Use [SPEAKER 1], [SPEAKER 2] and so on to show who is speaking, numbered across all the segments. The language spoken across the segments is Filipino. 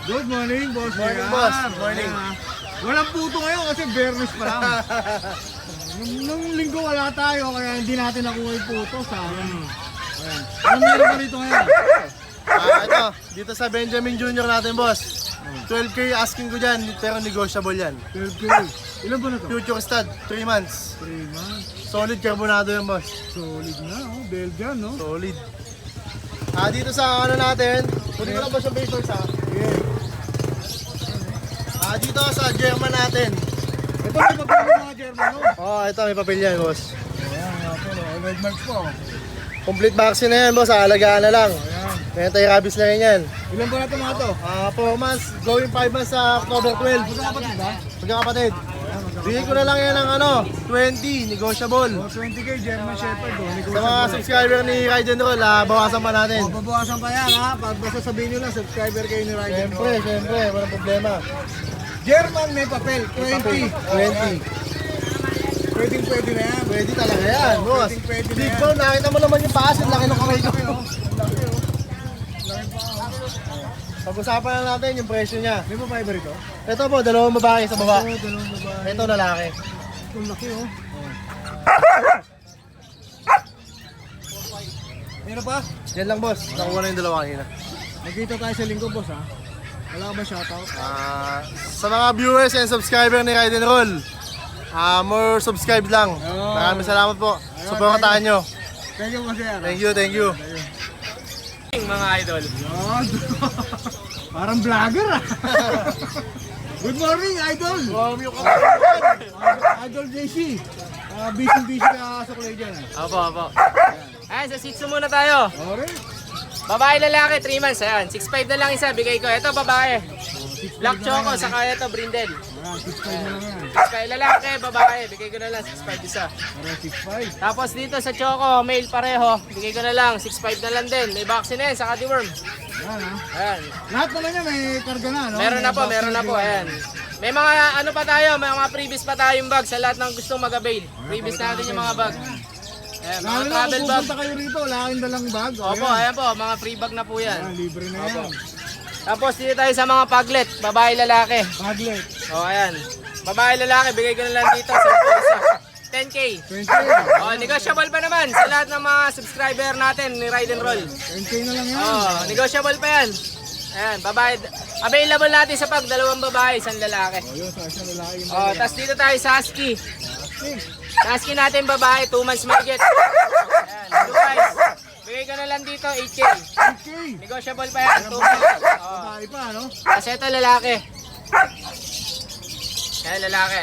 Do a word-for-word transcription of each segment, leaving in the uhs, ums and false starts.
[SPEAKER 1] Good morning, boss.
[SPEAKER 2] Morning,
[SPEAKER 1] Ayan.
[SPEAKER 2] boss. Morning.
[SPEAKER 1] Ayan. Walang puto ngayon kasi Bernes pa lang. nung, nung linggo wala tayo kaya hindi natin nakuha yung puto. Sayang. Ayan. Ano meron ka rito ngayon?
[SPEAKER 2] Ah, ito, dito sa Benjamin Junior natin, boss. twelve K asking ko dyan, pero negotiable yan.
[SPEAKER 1] twelve K. Ilan ba na to?
[SPEAKER 2] Future stud, three months.
[SPEAKER 1] three months.
[SPEAKER 2] Solid carbonado yan, boss.
[SPEAKER 1] Solid na, oh. Belgian, no?
[SPEAKER 2] Solid. Ah, dito sa ano natin, kunin ko lang ba siya papers, ha?
[SPEAKER 1] Yeah.
[SPEAKER 2] Ah, dito sa German natin.
[SPEAKER 1] Ito may papel ng mga German, no?
[SPEAKER 2] Oh, ito, may papel yan, boss.
[SPEAKER 1] Ayan, nga po, no? Red marks po.
[SPEAKER 2] Complete vaccine na yan, boss. Alagaan na lang.
[SPEAKER 1] Ayan.
[SPEAKER 2] May anti-rabies na rin yan.
[SPEAKER 1] Ilan ba na ito mga to?
[SPEAKER 2] Ah, four months, going five months sa October twelve.
[SPEAKER 1] Magkakapatid ba?
[SPEAKER 2] Magkakapatid. Bigay ko na lang yan ng ano, twenty, negotiable.
[SPEAKER 1] Oh, twenty K German Shepherd, oh.
[SPEAKER 2] Sa mga subscriber ni Ride and Roll, ah, bawasan pa natin.
[SPEAKER 1] Oh, babawasan pa yan, ha? Pag basta sabihin nyo lang, subscriber kayo ni Ride and
[SPEAKER 2] Siyempre,
[SPEAKER 1] Roll.
[SPEAKER 2] siyempre, walang problema.
[SPEAKER 1] German may papel, twenty.
[SPEAKER 2] twenty.
[SPEAKER 1] Pwede pwede na yan.
[SPEAKER 2] Pwede talaga yan, boss.
[SPEAKER 1] Pwedeng pwede na
[SPEAKER 2] Big
[SPEAKER 1] yan.
[SPEAKER 2] bone, nakita mo naman yung paas, ang laki ng kamay ko.
[SPEAKER 1] Laki, oh. Laki, oh. Laki pa, oh.
[SPEAKER 2] Pag-usapan na natin yung presyo niya.
[SPEAKER 1] May pa fiber ito?
[SPEAKER 2] Ito po, dalawang babae sa baba.
[SPEAKER 1] Oo, dalawang babae.
[SPEAKER 2] Ito lalaki.
[SPEAKER 1] Ang laki, oh. Meron pa?
[SPEAKER 2] Yan lang, boss. Nakuha na yung dalawa kanina.
[SPEAKER 1] Nagkita tayo sa linggo, boss, ha? Wala ka ba shoutout?
[SPEAKER 2] Ah, sa mga viewers and subscriber ni Ride and Roll, ah, more subscribe lang.
[SPEAKER 1] Oh.
[SPEAKER 2] Maraming salamat po. Supportahan nyo.
[SPEAKER 1] Thank you, boss, sir.
[SPEAKER 2] Thank you, thank you.
[SPEAKER 3] Mga idol.
[SPEAKER 1] Yan. Parang vlogger, ah. Good morning, idol.
[SPEAKER 2] Wow, yung
[SPEAKER 1] Idol J C. Uh, busy-busy ka sa kulay dyan, ah.
[SPEAKER 3] Opo, opo. Ayan, sa Shih Tzu muna tayo.
[SPEAKER 1] Alright.
[SPEAKER 3] Babae lalaki, three months. Ayan, six five na lang isa. Bigay ko. Ito, babae. Black Choco, saka ito, Brindle.
[SPEAKER 1] Ayan, six five na lang yan.
[SPEAKER 3] six five lalaki, babae. Bigay ko na lang, six five isa.
[SPEAKER 1] Para six five.
[SPEAKER 3] Tapos dito sa Choco, male pareho. Bigay ko na lang, six five na lang din. May vaccine na yan, saka deworm.
[SPEAKER 1] Yan, ha.
[SPEAKER 3] Ayan.
[SPEAKER 1] Lahat naman yan may karga na, no?
[SPEAKER 3] Meron na
[SPEAKER 1] May
[SPEAKER 3] po,
[SPEAKER 1] box
[SPEAKER 3] meron na po.
[SPEAKER 1] din.
[SPEAKER 3] Ayan. May mga ano pa tayo, may mga previous pa tayong bag sa lahat ng gustong mag-avail. Previous natin yung mga bag. Ayan, mga
[SPEAKER 1] Lalo na
[SPEAKER 3] travel
[SPEAKER 1] kung
[SPEAKER 3] bag.
[SPEAKER 1] pupunta kayo rito, wala kayong dalang bag.
[SPEAKER 3] Opo, ayan po, mga free bag na po yan.
[SPEAKER 1] Ayan, libre na yan.
[SPEAKER 3] Tapos dito tayo sa mga paglet, babae lalaki.
[SPEAKER 1] Paglet.
[SPEAKER 3] O ayan. Babae lalaki, bigay ko na lang dito sa isa. ten K.
[SPEAKER 1] twenty.
[SPEAKER 3] O, negotiable pa naman sa lahat ng mga subscriber natin ni Ride and Roll.
[SPEAKER 1] ten K na lang yan.
[SPEAKER 3] O, negotiable pa yan. Ayan, babae. Available natin sa pag, dalawang babae, isang lalaki.
[SPEAKER 1] O, yun, sa isang lalaki yung
[SPEAKER 3] O, tapos dito tayo sa Husky.
[SPEAKER 1] Asking.
[SPEAKER 3] Sa Husky natin babae, two months mahigit. Ayan, blue eyes. Bigay ko na lang dito, eight K.
[SPEAKER 1] eight K.
[SPEAKER 3] Negotiable pa yan, two months. O,
[SPEAKER 1] Babae pa, no?
[SPEAKER 3] tapos ito lalaki. Ayan, lalaki.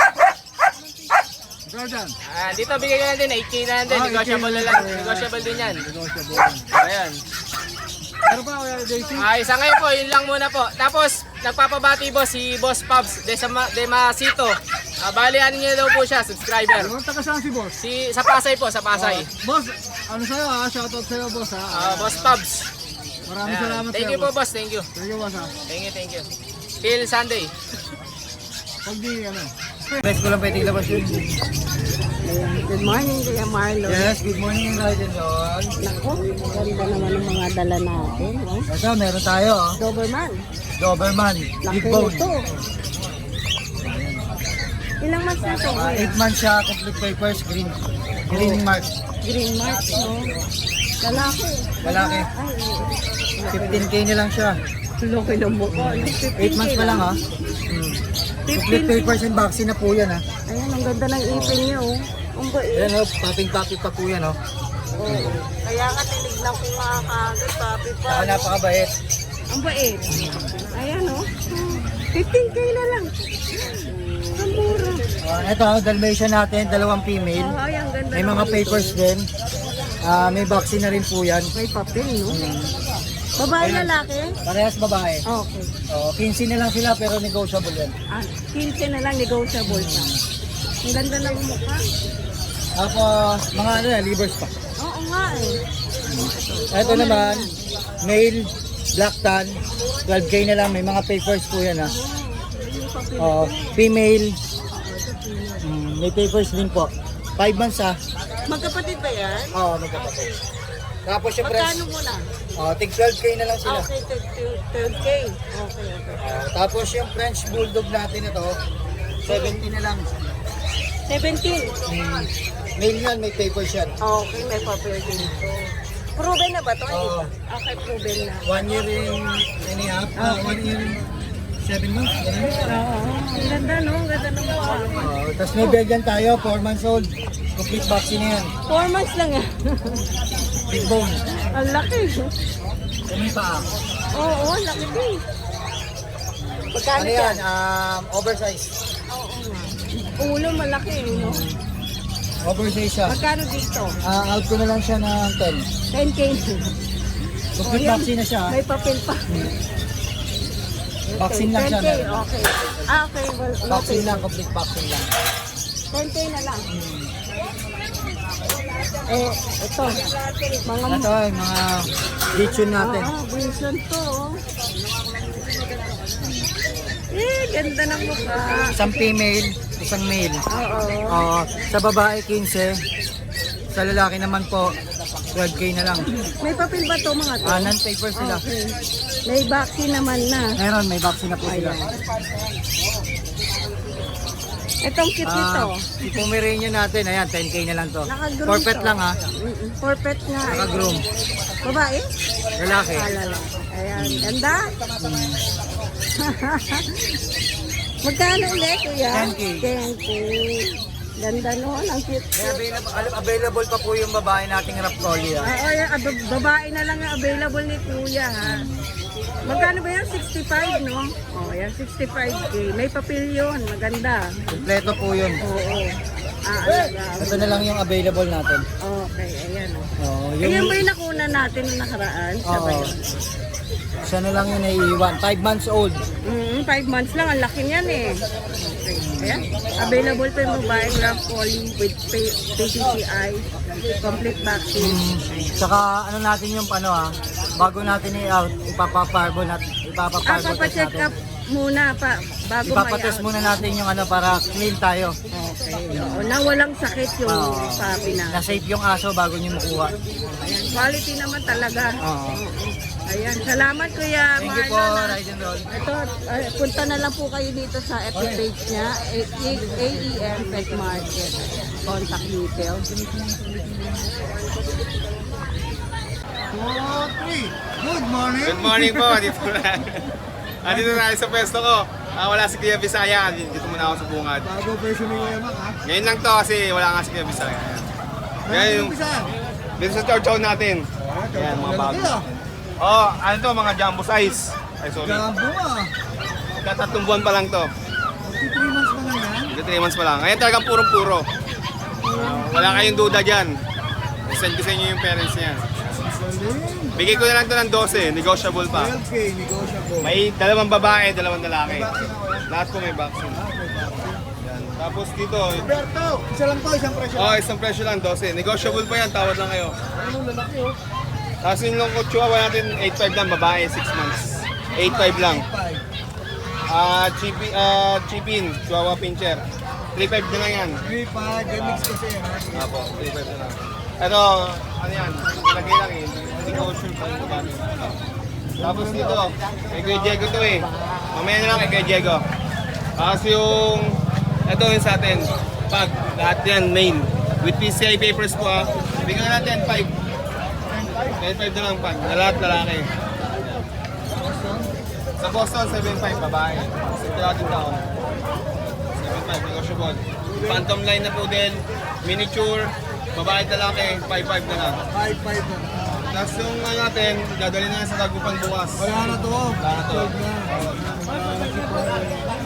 [SPEAKER 1] Jordan.
[SPEAKER 3] Ah, dito bigay ko na din, eight K na lang din,
[SPEAKER 1] Ah,
[SPEAKER 3] negotiable
[SPEAKER 1] eight K
[SPEAKER 3] na lang,
[SPEAKER 1] na lang.
[SPEAKER 3] negotiable din yan.
[SPEAKER 1] Negotiable.
[SPEAKER 3] Ayan.
[SPEAKER 1] Meron pa, Kuya J C?
[SPEAKER 3] Ah, isa ngayon po, yun lang muna po. Tapos, nagpapabati po si Boss Pabs de, Sama, de Masito. Ah, bali, ano niya daw po siya, subscriber.
[SPEAKER 1] Ano, taga saan si boss?
[SPEAKER 3] Si, sa Pasay po, sa Pasay.
[SPEAKER 1] Boss, ano sa'yo, ha? Shoutout sa'yo, boss, ha?
[SPEAKER 3] Ah, Boss Pabs.
[SPEAKER 1] Maraming
[SPEAKER 3] Ayan.
[SPEAKER 1] salamat
[SPEAKER 3] Thank
[SPEAKER 1] sa'yo,
[SPEAKER 3] you po, boss. Thank you.
[SPEAKER 1] Thank you, boss, ha?
[SPEAKER 3] Thank you, thank you. Till Sunday.
[SPEAKER 1] Pag di, ano?
[SPEAKER 2] Best ko lang pwede ilabas yun.
[SPEAKER 4] Good morning, Kuya Marlon.
[SPEAKER 2] Yes, good morning, Ride and Roll.
[SPEAKER 4] Naku, ganda naman ng mga dala natin. Oh.
[SPEAKER 2] Ito, meron tayo, oh.
[SPEAKER 4] Doberman.
[SPEAKER 2] Doberman,
[SPEAKER 4] Laki
[SPEAKER 2] big bone.
[SPEAKER 4] nito. Ilang months na ito?
[SPEAKER 2] Ah, eight months siya, complete papers, green. Green mark.
[SPEAKER 4] Green mark, no? Lalaki.
[SPEAKER 2] Lalaki.
[SPEAKER 4] Ay,
[SPEAKER 2] fifteen K na lang siya.
[SPEAKER 4] laki ng mukha.
[SPEAKER 2] eight months pa lang, ha? Hmm. Complete papers and vaccine na po yan, ha?
[SPEAKER 4] Ayan, ang ganda ng ipin niya, oh. Ang bait.
[SPEAKER 2] Ayan, oh, paping-paping pa po yan, oh.
[SPEAKER 4] Oo. Kaya nga tinignan ko nga kagad, papi pa.
[SPEAKER 2] Saka napakabait.
[SPEAKER 4] Ang bait. Ayan, oh. fifteen K na lang. Ang mura.
[SPEAKER 2] Uh, ito, Dalmatian natin, dalawang female.
[SPEAKER 4] Oh, ay, ang ganda
[SPEAKER 2] May
[SPEAKER 4] ng
[SPEAKER 2] mga
[SPEAKER 4] ipin.
[SPEAKER 2] papers din. Ah, may vaccine na rin po yan.
[SPEAKER 4] May papel, no? Babae lalaki?
[SPEAKER 2] Parehas babae.
[SPEAKER 4] Okay.
[SPEAKER 2] Oh, fifteen na lang sila pero negotiable yan.
[SPEAKER 4] Ah, fifteen na lang negotiable pa. Ang ganda ng mukha.
[SPEAKER 2] Tapos, mga ano yan, livers pa.
[SPEAKER 4] Oo nga eh.
[SPEAKER 2] Ito naman, male, black tan, twelve K na lang. May mga papers po yan, ha. Oh, female, mm, may papers din po. five months, ha.
[SPEAKER 4] Magkapatid ba yan?
[SPEAKER 2] Oo, oh, magkapatid. Tapos syempre,
[SPEAKER 4] Magkano mo na?
[SPEAKER 2] Oh, tig twelve K na lang sila.
[SPEAKER 4] Okay, third K. Okay, okay.
[SPEAKER 2] Oh, tapos yung French Bulldog natin ito, seventy na lang.
[SPEAKER 4] seventeen.
[SPEAKER 2] Hmm. Male yan, may papers yan.
[SPEAKER 4] Okay, may papel dito. Proven na ba to?
[SPEAKER 2] Oo.
[SPEAKER 4] Okay, proven na.
[SPEAKER 2] One year in and a half. Ah, one year in seven months. Ganun.
[SPEAKER 4] Oo. Ang ganda no? Ang ganda ng mukha.
[SPEAKER 2] Oh, tapos may Belgian tayo, four months old. Complete vaccine na yan.
[SPEAKER 4] Four months lang ah.
[SPEAKER 2] Big bone.
[SPEAKER 4] Ang laki.
[SPEAKER 2] Kami pa.
[SPEAKER 4] Oo, ang laki din. Magkano
[SPEAKER 2] Ano yan? Um, oversize.
[SPEAKER 4] Oo nga. Ulo malaki eh, no?
[SPEAKER 2] Oversize siya.
[SPEAKER 4] Magkano dito?
[SPEAKER 2] Ah, out ko na lang siya ng ten.
[SPEAKER 4] ten K.
[SPEAKER 2] Complete
[SPEAKER 4] yan.
[SPEAKER 2] vaccine na siya.
[SPEAKER 4] May papel pa.
[SPEAKER 2] Vaccine lang siya.
[SPEAKER 4] ten K, okay. Ah, okay. Well,
[SPEAKER 2] Vaccine
[SPEAKER 4] okay.
[SPEAKER 2] lang, complete vaccine lang.
[SPEAKER 4] ten K na lang. Eh, ito. Mga
[SPEAKER 2] Ito ay mga lechon natin.
[SPEAKER 4] Ah, Wilson to. oh. Eh, ganda ng mukha.
[SPEAKER 2] Isang female, isang male.
[SPEAKER 4] Oo.
[SPEAKER 2] Oo, sa babae quince, sa lalaki naman po twelve K na lang.
[SPEAKER 4] May papel ba to mga to?
[SPEAKER 2] Ah, non-paper sila.
[SPEAKER 4] Okay. May vaccine naman na.
[SPEAKER 2] Meron, may vaccine na po sila.
[SPEAKER 4] Itong cute nito.
[SPEAKER 2] Ah, yung Pomeranian natin, ayan, ten K na lang to.
[SPEAKER 4] Naka-groom
[SPEAKER 2] Forfeit
[SPEAKER 4] to.
[SPEAKER 2] lang ha,
[SPEAKER 4] Mm-mm. Forfeit nga. eh.
[SPEAKER 2] naka-groom.
[SPEAKER 4] Babae?
[SPEAKER 2] Lalaki.
[SPEAKER 4] Alala. Ayan. Ganda. Magkano ulit, kuya?
[SPEAKER 2] ten K.
[SPEAKER 4] ten K. Ganda noon. Ang cute.
[SPEAKER 2] May available, available pa po yung babae nating Raptoli ha.
[SPEAKER 4] Ah, oh, yan, ah, bab- babae na lang ang available ni kuya, ha? Magkano ba yan? sixty-five, no? Oh, yan, sixty-five K. May papel yun. Maganda.
[SPEAKER 2] Kompleto po yun.
[SPEAKER 4] Oo. Ah, alaga.
[SPEAKER 2] Ito na lang yung available natin.
[SPEAKER 4] Okay, ayan, oh.
[SPEAKER 2] Oo,
[SPEAKER 4] Ayan
[SPEAKER 2] yung,
[SPEAKER 4] ba yung nakuna natin nung nakaraan? Siya ba
[SPEAKER 2] oo.
[SPEAKER 4] yun?
[SPEAKER 2] Siya na lang yung naiiwan. five months old.
[SPEAKER 4] Mm, five months lang. Ang laki niyan eh. Okay. Ayan. Available pa yung babae Grand Poly with P C C I. Complete vaccine.
[SPEAKER 2] Saka ano natin yung ano ha, bago natin i-out, ipapaparbol natin,
[SPEAKER 4] Ah,
[SPEAKER 2] ipapaparbol test
[SPEAKER 4] papacheck
[SPEAKER 2] natin.
[SPEAKER 4] up muna pa bago
[SPEAKER 2] Ipapatest
[SPEAKER 4] may-out.
[SPEAKER 2] muna natin yung ano para clean tayo.
[SPEAKER 4] Okay. Oo, na walang sakit yung
[SPEAKER 2] Oo.
[SPEAKER 4] sabi na.
[SPEAKER 2] Na safe yung aso bago nyo makuha.
[SPEAKER 4] Ayan. Quality naman talaga.
[SPEAKER 2] Oo.
[SPEAKER 4] Ayan. Salamat Kuya
[SPEAKER 2] Thank you po,
[SPEAKER 4] Marlon. ah.
[SPEAKER 2] Ride and Roll.
[SPEAKER 4] Ito, ah, punta na lang po kayo dito sa F B page niya, A E M Pet Market. Contact details.
[SPEAKER 1] Four, three. Good morning.
[SPEAKER 5] Good morning po, dito na. Andito na tayo sa pwesto ko. Ah, wala si Kuya Bisaya, dito muna ako sa bungad.
[SPEAKER 1] Bago version ni Kuya Mac, ha?
[SPEAKER 5] Ngayon lang to kasi wala nga si Kuya Bisaya. Ngayon,
[SPEAKER 1] Yung isa.
[SPEAKER 5] dito sa chow chow natin. Ayan, mga bago. Oh, ano to, mga jumbo size. Ay, sorry.
[SPEAKER 1] Gambo ah.
[SPEAKER 5] Katatlong buwan pa lang to.
[SPEAKER 1] three months pa lang yan.
[SPEAKER 5] Dito three months pa lang. Ngayon talagang purong-puro. Ah, wala kayong duda dyan. Send ko sa inyo yung parents niya.
[SPEAKER 1] Galing.
[SPEAKER 5] Bigay ko na lang to ng twelve, negotiable pa.
[SPEAKER 1] twelve K, negotiable.
[SPEAKER 5] May dalawang babae, dalawang lalaki.
[SPEAKER 1] Vaccine ako yan.
[SPEAKER 5] Lahat po may vaccine.
[SPEAKER 1] Ah, may vaccine.
[SPEAKER 5] Yan. Tapos dito,
[SPEAKER 1] Roberto, isa lang to, isang presyo.
[SPEAKER 5] oh, isang presyo lang, twelve. Negotiable pa yan, tawad lang kayo.
[SPEAKER 1] Ano lalaki oh.
[SPEAKER 5] Tapos yung long chihuahua natin, eight five lang, babae, six months. eight five lang.
[SPEAKER 1] five.
[SPEAKER 5] Ah, chipi, ah, chipin, chihuahua pincher. three five na lang yan.
[SPEAKER 1] three five, mix kasi yan ha.
[SPEAKER 5] Apo, three five na lang. Ito, ano yan, lagay lang eh. Hindi ko sure pa yung gamit. Tapos dito, kay Kuya Diego to eh. Mamaya na lang kay Kuya Diego. Tapos yung, ito yung sa atin. Pag, lahat yan, main. With P C I papers po ah. Bigyan natin five. ten five na lang pag, na lahat lalaki. Sa Boston, seven five, babae. Sa ating taon. seven five, negotiable. Phantom line na po din. Miniature, babae at lalaki, five five na lang.
[SPEAKER 1] five five na.
[SPEAKER 5] Tapos yung ano natin, dadalhin na yan sa Dagupan bukas.
[SPEAKER 1] Wala na to.
[SPEAKER 5] Wala na to.
[SPEAKER 1] twelve na.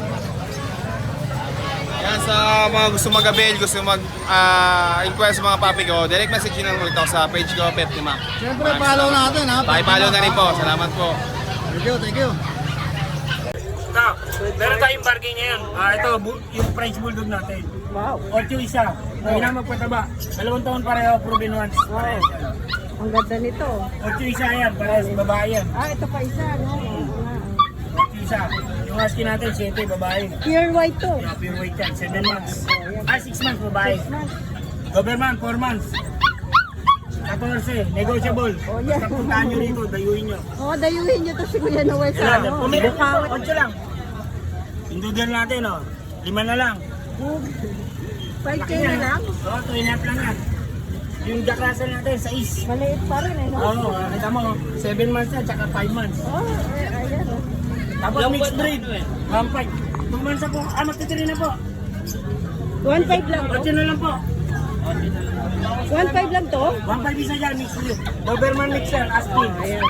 [SPEAKER 5] Yan sa mga gusto mag-avail, gusto mag-inquire sa mga papi ko, direct message nyo lang ulit ako sa page ko, Pet ni Mac.
[SPEAKER 1] Siyempre, follow natin ha.
[SPEAKER 5] Pakipollow na rin po. Salamat po.
[SPEAKER 1] Thank you, thank you.
[SPEAKER 6] Now, meron tayong bargain ngayon. Ah, ito, bu- yung French Bulldog natin.
[SPEAKER 4] Wow.
[SPEAKER 6] Ocho isa. Hindi na magpataba. Dalawang taon pareho, proven once.
[SPEAKER 4] Wow. Ang ganda nito.
[SPEAKER 6] Ocho isa yan, parehas babae yan.
[SPEAKER 4] Ah, ito pa isa, no? Oo nga.
[SPEAKER 6] Ocho isa. Yung husky natin, siyete, babae.
[SPEAKER 4] Pure white to.
[SPEAKER 6] Yeah, pure weight yan, seven months. Ah, six months, babae.
[SPEAKER 4] Mas,
[SPEAKER 6] Doberman, four months. fourteen, negotiable.
[SPEAKER 4] Oh, yeah.
[SPEAKER 6] Basta puntahan nyo rito, dayuin nyo.
[SPEAKER 4] Oo, dayuhin niyo to si Kuya Noel sa
[SPEAKER 6] Ayan,
[SPEAKER 4] ano.
[SPEAKER 6] pumili po,
[SPEAKER 4] Bukawit.
[SPEAKER 6] ocho lang. Yung doodle natin, oh. Lima na lang.
[SPEAKER 4] five K na lang.
[SPEAKER 6] Oo, two and a half lang yan. Yung Jack Russell natin, sais.
[SPEAKER 4] Maliit pa rin eh, no?
[SPEAKER 6] Oo, oh, kita mo, seven months na, tsaka five months.
[SPEAKER 4] Oh, eh, ayan. Oh.
[SPEAKER 6] Tapos mixed breed, one five. two months na po, ah, magtitiri na po.
[SPEAKER 4] one five lang to?
[SPEAKER 6] ocho na lang po.
[SPEAKER 4] one five lang to?
[SPEAKER 6] one five isa dyan, mixed breed. Doberman mixer, Aspin.
[SPEAKER 4] Ayan.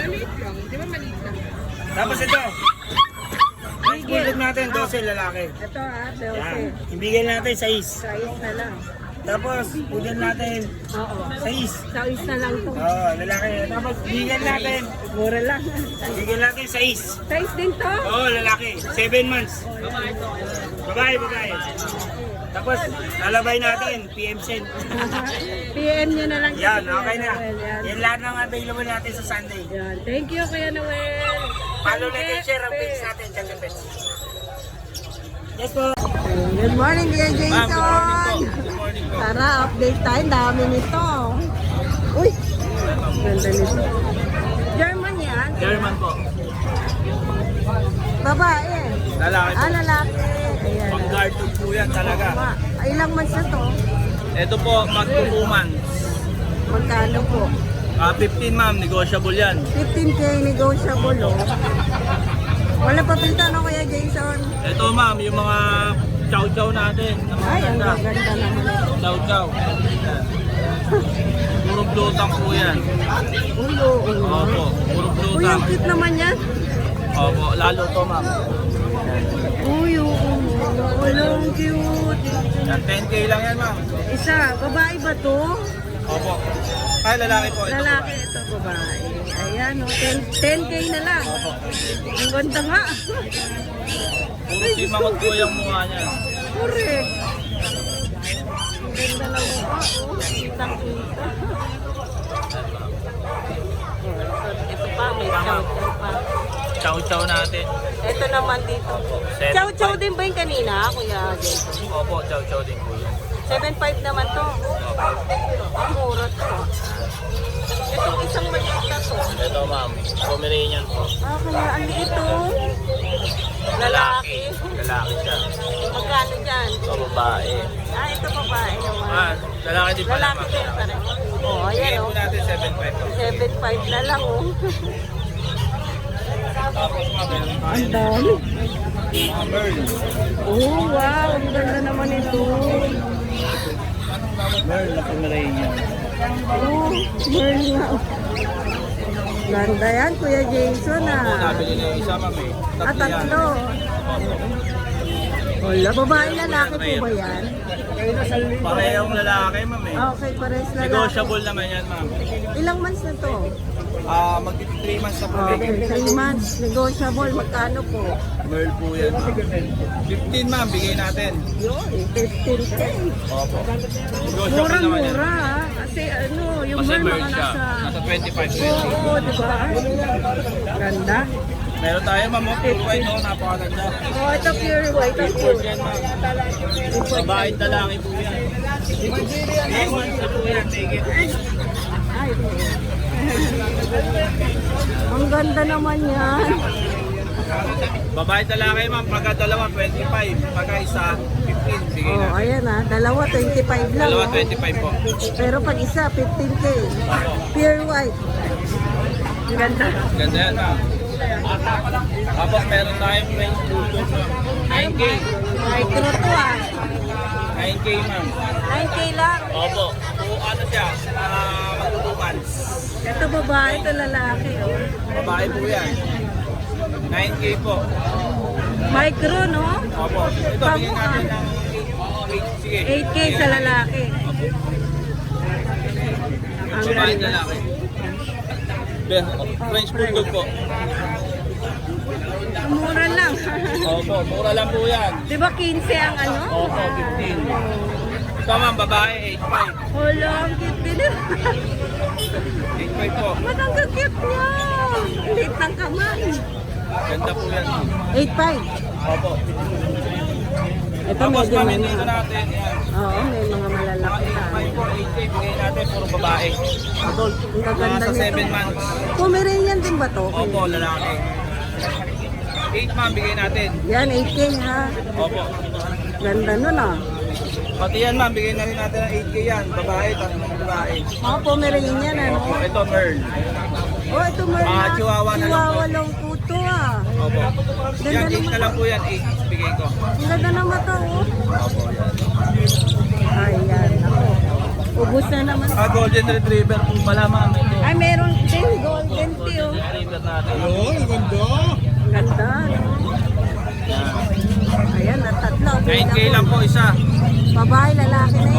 [SPEAKER 6] Tapos ito. Next bulldog natin, twelve lalaki.
[SPEAKER 4] Ito ah,
[SPEAKER 6] Yan.
[SPEAKER 4] twelve.
[SPEAKER 6] Ibigay natin sais.
[SPEAKER 4] Size na lang.
[SPEAKER 6] Tapos, poodle natin,
[SPEAKER 4] Oo.
[SPEAKER 6] sais.
[SPEAKER 4] Size na lang to.
[SPEAKER 6] Oo, lalaki. Tapos, bigyan natin.
[SPEAKER 4] Mura lang.
[SPEAKER 6] Bigyan natin sais.
[SPEAKER 4] Size din to?
[SPEAKER 6] Oo, lalaki. seven months. Babae, babae. Tapos, lalabay natin, P M Sen.
[SPEAKER 4] P M nyo na lang. kay
[SPEAKER 6] Yan,
[SPEAKER 4] Kuya
[SPEAKER 6] okay na.
[SPEAKER 4] Noel, Yan.
[SPEAKER 6] Yan lahat ng available natin sa Sunday.
[SPEAKER 4] Yan. Thank you, Kuya Noel.
[SPEAKER 6] Follow like and share ang page natin, Jungle Pets. Yes po.
[SPEAKER 4] Good morning, Kuya Jason.
[SPEAKER 5] Ma'am, good morning po. Good morning po.
[SPEAKER 4] Tara, update tayo. Dami nito. Uy, ganda nito. German yan.
[SPEAKER 5] German po.
[SPEAKER 4] Babae.
[SPEAKER 5] Lalaki po.
[SPEAKER 4] Ah, lalaki. Ayan.
[SPEAKER 5] Pang-guard po yan talaga.
[SPEAKER 4] Ma, ay, ilang months na to?
[SPEAKER 5] Ito po, mag two months.
[SPEAKER 4] Magkano po?
[SPEAKER 5] Ah, fifteen ma'am, negotiable yan.
[SPEAKER 4] fifteen K negotiable, oh. Wala pa pinta no, Kuya Jason?
[SPEAKER 5] Ito ma'am, yung mga chow-chow natin. Na mga
[SPEAKER 4] Ay, ang
[SPEAKER 5] ganda.
[SPEAKER 4] ganda naman ito.
[SPEAKER 5] Chow-chow. Yan. Puro blutang po yan.
[SPEAKER 4] Uy, oo.
[SPEAKER 5] Opo, puro
[SPEAKER 4] Uy,
[SPEAKER 5] blutang.
[SPEAKER 4] ang cute naman yan.
[SPEAKER 5] Opo, lalo to ma'am.
[SPEAKER 4] Uy, oo. Wala, ang cute.
[SPEAKER 5] Yan, ten K lang yan ma'am.
[SPEAKER 4] Isa, babae ba to?
[SPEAKER 5] Opo. Ay, lalaki po. Ito
[SPEAKER 4] Lalaki ito, babae. Ayan, oh, ten K na lang. Ang ganda nga.
[SPEAKER 5] Puro simangot po yung mukha niya.
[SPEAKER 4] Correct. Ang ganda ng mukha, oh. Kitang-kita. Ito pa, may chow-chow pa.
[SPEAKER 5] Chow-chow natin.
[SPEAKER 4] Ito naman dito.
[SPEAKER 5] Seven
[SPEAKER 4] Chow-chow
[SPEAKER 5] five.
[SPEAKER 4] din ba yung kanina, Kuya Jason?
[SPEAKER 5] Opo, chow-chow din po yan.
[SPEAKER 4] seven five naman to. Ang mura to. Itong isang maliit na to.
[SPEAKER 5] Ito ma'am, Pomeranian po.
[SPEAKER 4] Ah, kaya ang liit to. Lalaki.
[SPEAKER 5] Lalaki siya.
[SPEAKER 4] Magkano dyan?
[SPEAKER 5] Ito babae.
[SPEAKER 4] Ah, ito babae naman.
[SPEAKER 5] Ah, lalaki din pala
[SPEAKER 4] Lalaki
[SPEAKER 5] ma'am.
[SPEAKER 4] din pa rin. Oh,
[SPEAKER 5] Bigay
[SPEAKER 4] ayan
[SPEAKER 5] po
[SPEAKER 4] oh.
[SPEAKER 5] natin seven five po.
[SPEAKER 4] seven five na lang oh.
[SPEAKER 5] Tapos ma'am, meron tayo.
[SPEAKER 4] Ang dami.
[SPEAKER 5] Mga Merl.
[SPEAKER 4] Oh, wow. Ang ganda naman ito.
[SPEAKER 5] Merl na Pomeranian.
[SPEAKER 4] Oh, Merl nga. Ganda yan, Kuya Jason
[SPEAKER 5] Opo,
[SPEAKER 4] ah.
[SPEAKER 5] nabili na yung isa ma'am eh.
[SPEAKER 4] Ah,
[SPEAKER 5] Tatlo yan.
[SPEAKER 4] tatlo. Wala, babae lalaki po ba yan?
[SPEAKER 5] Parehong lalaki ma'am eh.
[SPEAKER 4] Ah, okay, pares lalaki.
[SPEAKER 5] Negotiable naman yan ma'am.
[SPEAKER 4] Ilang months na to?
[SPEAKER 5] Ah, mag three months na po.
[SPEAKER 4] Okay, three months. Negotiable. Magkano po?
[SPEAKER 5] Merl po yan ma'am. fifteen ma'am, bigay natin.
[SPEAKER 4] Yun, fifteen K.
[SPEAKER 5] Opo. Negotiable naman yan.
[SPEAKER 4] Mura-mura ah. Kasi ano, yung
[SPEAKER 5] Kasi
[SPEAKER 4] Merl
[SPEAKER 5] Merl
[SPEAKER 4] mga
[SPEAKER 5] siya.
[SPEAKER 4] nasa...
[SPEAKER 5] Nasa twenty-five
[SPEAKER 4] Oo,
[SPEAKER 5] twenty.
[SPEAKER 4] oo, di ba? Ganda.
[SPEAKER 5] Meron tayo ma'am, oh, pure white oh, napakaganda.
[SPEAKER 4] Oh, ito pure white. Ito
[SPEAKER 5] Pure
[SPEAKER 4] pure.
[SPEAKER 5] yan ma'am. Babae at lalaki po yan. three months na po yan, take it.
[SPEAKER 4] Ay, ang ganda naman yan.
[SPEAKER 5] Babae at lalaki ma'am, pagka dalawa twenty-five, pagka isa fifteen, sige
[SPEAKER 4] Oh,
[SPEAKER 5] na.
[SPEAKER 4] ayan ah. Dalawa, twenty-five lang.
[SPEAKER 5] Dalawa
[SPEAKER 4] oh.
[SPEAKER 5] twenty-five po.
[SPEAKER 4] Pero pag isa, fifteen K. Pure white. Ang ganda.
[SPEAKER 5] Ganda yan ma'am. Tapos meron tayong French Bulldog ma'am. nine K.
[SPEAKER 4] Micro to ah.
[SPEAKER 5] nine K ma'am.
[SPEAKER 4] nine K lang.
[SPEAKER 5] Opo. O ano siya, uh, magtutukan.
[SPEAKER 4] Ito babae, ito lalaki. Oh.
[SPEAKER 5] Babae po yan. nine K po.
[SPEAKER 4] Micro, no?
[SPEAKER 5] Opo. Ito, bigyan natin ng eight. Sige.
[SPEAKER 4] eight K sa lalaki. Ang
[SPEAKER 5] Babae
[SPEAKER 4] ganda.
[SPEAKER 5] lalaki. Ben, French Bulldog po.
[SPEAKER 4] Mura lang.
[SPEAKER 5] Opo, mura lang po yan.
[SPEAKER 4] Di ba quince ang ano?
[SPEAKER 5] Opo, fifteen. Ito ma'am, babae, eight five.
[SPEAKER 4] Hala, ang cute din.
[SPEAKER 5] eight five po.
[SPEAKER 4] Ba't ang cute niya? Ang liit ng kamay.
[SPEAKER 5] Ganda po yan.
[SPEAKER 4] eight five.
[SPEAKER 5] Opo.
[SPEAKER 4] Ito
[SPEAKER 5] Tapos
[SPEAKER 4] medyo
[SPEAKER 5] ma'am,
[SPEAKER 4] may
[SPEAKER 5] dito
[SPEAKER 4] mga...
[SPEAKER 5] natin yan.
[SPEAKER 4] Oo, may mga malalaki
[SPEAKER 5] eight
[SPEAKER 4] tayo.
[SPEAKER 5] five po, eight K
[SPEAKER 3] K bigay natin, puro babae.
[SPEAKER 4] Adult. Ang gaganda
[SPEAKER 3] Nasa
[SPEAKER 4] nito.
[SPEAKER 3] seven months.
[SPEAKER 4] Pomeranian din ba to?
[SPEAKER 3] Opo, lalaki. eight months bigay natin.
[SPEAKER 4] Yan, eight K ha.
[SPEAKER 3] Opo.
[SPEAKER 4] Ganda nun ah.
[SPEAKER 3] Pati yan ma'am, bigay na rin natin ng eight K yan. Babae, tatlong babae.
[SPEAKER 4] Mga Pomeranian ano.
[SPEAKER 3] Opo, ito Merl.
[SPEAKER 4] Oh, ito Merna.
[SPEAKER 3] Ah, Chihuahua na lang
[SPEAKER 4] Chihuahua
[SPEAKER 3] po.
[SPEAKER 4] lang po to ah.
[SPEAKER 3] Opo.
[SPEAKER 4] Ganda
[SPEAKER 3] Yan, eight
[SPEAKER 4] naman.
[SPEAKER 3] na lang po yan, eight bigay ko.
[SPEAKER 4] Ang ganda ng mata oh.
[SPEAKER 3] Opo, yan.
[SPEAKER 4] Ayan, ako. Ubus na naman.
[SPEAKER 3] Ah, Golden Retriever po pala ma'am. Ito.
[SPEAKER 4] Ay, meron din golden tea oh.
[SPEAKER 3] Retriever natin.
[SPEAKER 1] Ayun, ang ganda.
[SPEAKER 4] Ang ganda. No? Ayan, at tatlo.
[SPEAKER 3] nine K lang po isa.
[SPEAKER 4] Babae, lalaki na